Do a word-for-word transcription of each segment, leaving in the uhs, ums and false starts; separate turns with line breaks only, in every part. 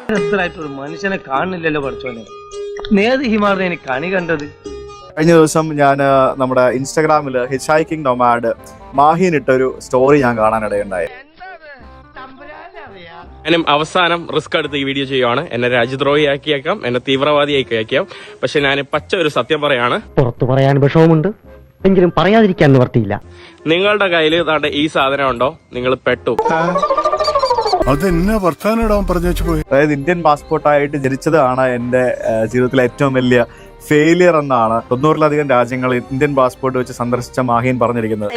ഒരു മനുഷ്യനെ കാണുന്നില്ലല്ലോ പഠിച്ചോനെ. നേത് ഹിമാറിനെ എനിക്ക് കണി കണ്ടത്.
കഴിഞ്ഞ ദിവസം ഞാൻ നമ്മുടെ ഇൻസ്റ്റാഗ്രാമിൽ ഹിച്ച് ഹൈക്കിംഗ് നൊമാഡ് മാഹിൻ ഇട്ടൊരു സ്റ്റോറി ഞാൻ കാണാനിടയുണ്ടായി.
ഞാനും അവസാനം റിസ്ക് എടുത്ത് ഈ വീഡിയോ ചെയ്യുവാണ്. എന്നെ രാജ്യദ്രോഹിയാക്കിയേക്കാം, എന്നെ തീവ്രവാദിയാക്കിയേക്കാം. പക്ഷെ ഞാൻ പച്ച ഒരു സത്യം പറയാണ്.
പുറത്തു പറയാൻ വിഷമമുണ്ട്, എങ്കിലും പറയാതിരിക്കാൻ നിവർത്തിയില്ല.
നിങ്ങളുടെ കയ്യിൽ താണ്ട ഈ സാധനം ഉണ്ടോ, നിങ്ങൾ പെട്ടു.
അതായത് ഇന്ത്യൻ പാസ്പോർട്ടായിട്ട് ജനിച്ചതാണ് എന്റെ ജീവിതത്തിലെ ഏറ്റവും വലിയ ഫെയിലിയർ എന്നാണ് തൊണ്ണൂറിലധികം രാജ്യങ്ങൾ ഇന്ത്യൻ പാസ്പോർട്ട് വെച്ച് സന്ദർശിച്ച മാഹീൻ പറഞ്ഞിരിക്കുന്നത്.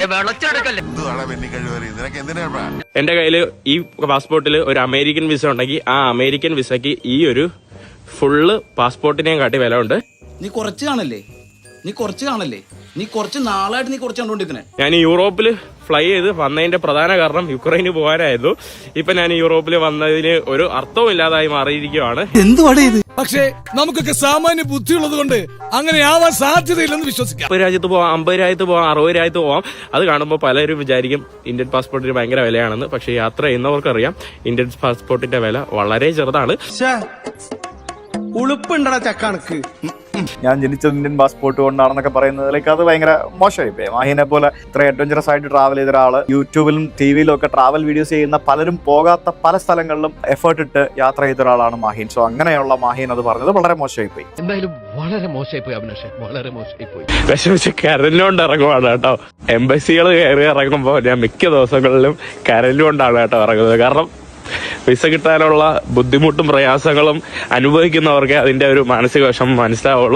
എന്റെ കയ്യിൽ ഈ പാസ്പോർട്ടിൽ ഒരു അമേരിക്കൻ വിസ ഉണ്ടെങ്കിൽ ആ അമേരിക്കൻ വിസയ്ക്ക് ഈ ഒരു ഫുള്ള് പാസ്പോർട്ടിനെയും കാട്ടി വില ഉണ്ട്.
നീ കുറച്ച് കാണല്ലേ നീ കുറച്ച് കാണല്ലേ നീ കുറച്ച് നാളായിട്ട് നീ കുറച്ച് കണ്ടോണ്ടിരിക്കണേ.
ഞാൻ യൂറോപ്പിൽ ഫ്ലൈ ചെയ്ത് വന്നതിന്റെ പ്രധാന കാരണം യുക്രൈന് പോകാനായിരുന്നു. ഇപ്പൊ ഞാൻ യൂറോപ്പിൽ വന്നതിന് ഒരു അർത്ഥവും ഇല്ലാതായി മാറിയിരിക്കുകയാണ്.
എന്തുവാടേ ഇത്?
പക്ഷേ നമുക്കൊക്കെ സാമാന്യ ബുദ്ധിയുള്ളത് കൊണ്ട് അങ്ങനെ ആവാൻ സാധ്യതയില്ലെന്ന് വിശ്വസിക്കാം.
മുപ്പത് രാജ്യത്ത് പോവാം, അമ്പത് രാജ്യത്ത് പോവാം, അറുപത് രാജ്യത്ത് പോവാം. അത് കാണുമ്പോൾ പലരും വിചാരിക്കും ഇന്ത്യൻ പാസ്പോർട്ടിന് ഭയങ്കര വിലയാണെന്ന്. പക്ഷേ യാത്ര ചെയ്യുന്നവർക്കറിയാം ഇന്ത്യൻ പാസ്പോർട്ടിന്റെ വില വളരെ ചെറുതാണ്.
ഉളുപ്പുണ്ടടാ ചക്കണക്ക്.
ഞാൻ ജനിച്ചത് ഇന്ത്യൻ പാസ്പോർട്ട് കൊണ്ടാണെന്നൊക്കെ പറയുന്നതിലേക്ക് അത് ഭയങ്കര മോശമായി. മാഹിനെ പോലെ ഇത്ര അഡ്വഞ്ചറസ് ആയിട്ട് ട്രാവൽ ചെയ്ത ഒരാള് യൂട്യൂബിലും ടി വിയിലും ഒക്കെ ട്രാവൽ വീഡിയോസ് ചെയ്യുന്ന പലരും പോകാത്ത പല സ്ഥലങ്ങളിലും എഫേർട്ട് ഇട്ട് യാത്ര ചെയ്ത ഒരാളാണ് മാഹീൻ. സോ അങ്ങനെയുള്ള മാഹീൻ അത് പറഞ്ഞത് വളരെ മോശമായി പോയി.
എന്തായാലും വളരെ മോശമായി പോയി അഭിലാഷ്, വളരെ മോശമായി പോയി.
വിഷമിച്ച് കരലുകൊണ്ട് ഇറങ്ങുവാണ് കേട്ടോ. എംബസികൾ കയറി ഇറങ്ങുമ്പോൾ ഞാൻ മിക്ക ദിവസങ്ങളിലും കരലുകൊണ്ടാണ് കേട്ടോ ഇറങ്ങുന്നത്. കാരണം വിസ കിട്ടാനുള്ള ബുദ്ധിമുട്ടും പ്രയാസങ്ങളും അനുഭവിക്കുന്നവർക്ക് അതിന്റെ ഒരു മാനസിക വിഷമം മനസ്സിലാവുള്ളൂ.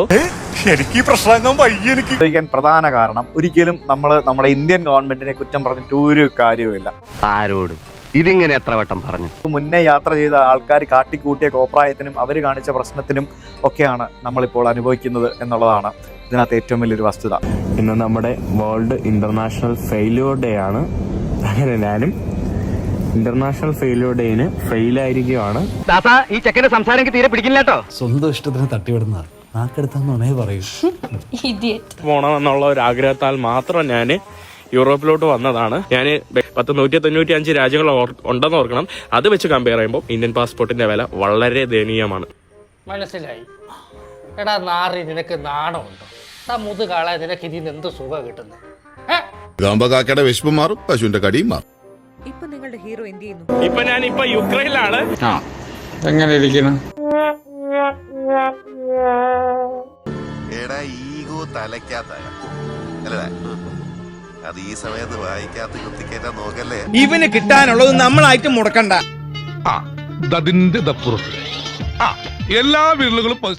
പ്രധാന കാരണം ഒരിക്കലും നമ്മൾ നമ്മുടെ ഇന്ത്യൻ ഗവൺമെന്റിനെ കുറ്റം പറഞ്ഞിട്ട് ഒരു കാര്യവുമില്ല.
ആരോടും ഇതിങ്ങനെ എത്ര വട്ടം പറഞ്ഞു.
മുന്നേ യാത്ര ചെയ്ത ആൾക്കാർ കാട്ടിക്കൂട്ടിയ കോപ്രായത്തിനും അവർ കാണിച്ച പ്രശ്നത്തിനും ഒക്കെയാണ് നമ്മളിപ്പോൾ അനുഭവിക്കുന്നത് എന്നുള്ളതാണ് ഇതിനകത്ത് ഏറ്റവും വലിയൊരു വസ്തുത.
ഇന്ന് നമ്മുടെ വേൾഡ് ഇന്റർനാഷണൽ ഫെയിലിയർ ഡേ ആണ്. അങ്ങനെ ഞാനും ഇന്റർനാഷണൽ ഫെയിലിയർ ഡേന് ഫെയിലായിരിക്കുവാണ്.
ഈ ചെക്കന്റെ സംസാരം എനിക്ക് തീരെ പിടിക്കില്ല കേട്ടോ.
സ്വന്തം ഇഷ്ടത്തിന് തട്ടിവിടുന്ന നാക്കെടുത്താന്നേ പറയൂ.
പോണമെന്നുള്ള ഒരു ആഗ്രഹത്താൽ മാത്രം ഞാൻ യൂറോപ്പിലോട്ട് വന്നതാണ്. ഞാൻ പത്ത് നൂറ്റി തൊണ്ണൂറ്റി അഞ്ച് രാജ്യങ്ങൾ ഉണ്ടെന്ന് ഓർക്കണം. അത് വെച്ച് കമ്പയർ ചെയ്യുമ്പോൾ ഇന്ത്യൻ പാസ്പോർട്ടിന്റെ വില വളരെ ദയനീയമാണ്.
മനസ്സിലായി. എടാ നാറി, നിനക്ക് നാണമുണ്ടോ? മുതുകാളെ നിനക്ക് ഇതിന് എന്ത് സുഖം കിട്ടുന്നത്?
കാക്കയുടെ വിശപ്പ് മാറും, പശുവിന്റെ കടിയും മാറും.
ഇപ്പൊ നിങ്ങളുടെ ഹീറോ എന്ത് ചെയ്യുന്നു?
ഇപ്പൊ ഞാൻ ഇപ്പൊ യുക്രൈനിലാണ്.
എങ്ങനെ ഇരിക്കണം?
എടാ ഈഗോ തലയ്ക്കാത്ത അത് ഈ സമയത്ത് വായിക്കാത്ത കുത്തിക്കേറ്റാ നോക്കല്ലേ.
ഇവന് കിട്ടാനുള്ളത് നമ്മളായിട്ട് മുടക്കണ്ട.
അതിന്റെ എല്ലാ വീടുകളും